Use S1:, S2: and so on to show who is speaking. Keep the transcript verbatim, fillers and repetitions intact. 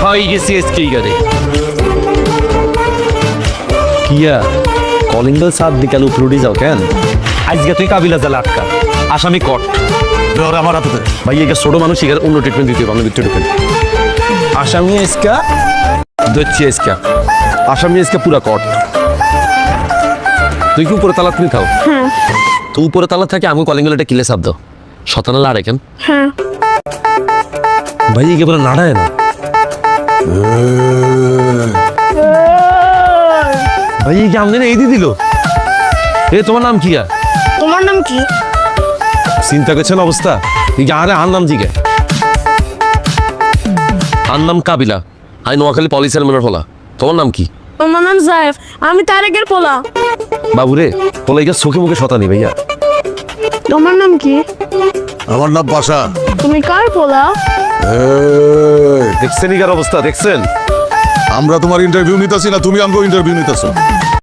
S1: খাই গেছি এসকেই গাড়ি কিয়া কলিং বেল সাত বিকাল উপরুটি যাও কেন আজকে তুই কাবিলা জালে আটকা আসামি কট
S2: ধর আমার হাতে দে।
S1: ভাই একে ছোট মানুষ এখানে অন্য ট্রিটমেন্ট দিতে হবে ভিতরে ঢুকেন আসামি এসকা দচ্ছি এসকা আসামি এসকা পুরা কট তুই কি উপরে তালা তুমি থাও তুই উপরে তালা থাকে আমি কলিং বেলটা কিলে সাপ দাও শতানা লাড়ে কেন
S3: হ্যাঁ
S1: ভাই একে পুরো নাড়ায় না ভাই কি আমনে এই দিয়ে দিল এ তোমার নাম কি আর
S3: তোমার নাম কি
S1: চিন্তা করছেন অবস্থা এই যে আরে আর নাম জিগে আর নাম কাবিলা আই নোয়াখালী পলিসের মেম্বার হলা তোমার নাম কি
S3: আমার নাম জায়েফ আমি তারেকের পোলা
S1: বাবুরে বলে এটা চোখে মুখে শতানি ভাইয়া
S3: তোমার নাম কি
S2: আমার নাম বাসা।
S3: তুমি কার পোলা
S2: এই,
S1: দেখছেন ইগার অবস্থা দেখছেন
S2: আমরা তোমার ইন্টারভিউ নিতেছি না তুমি আমাকে ইন্টারভিউ নিতেছো?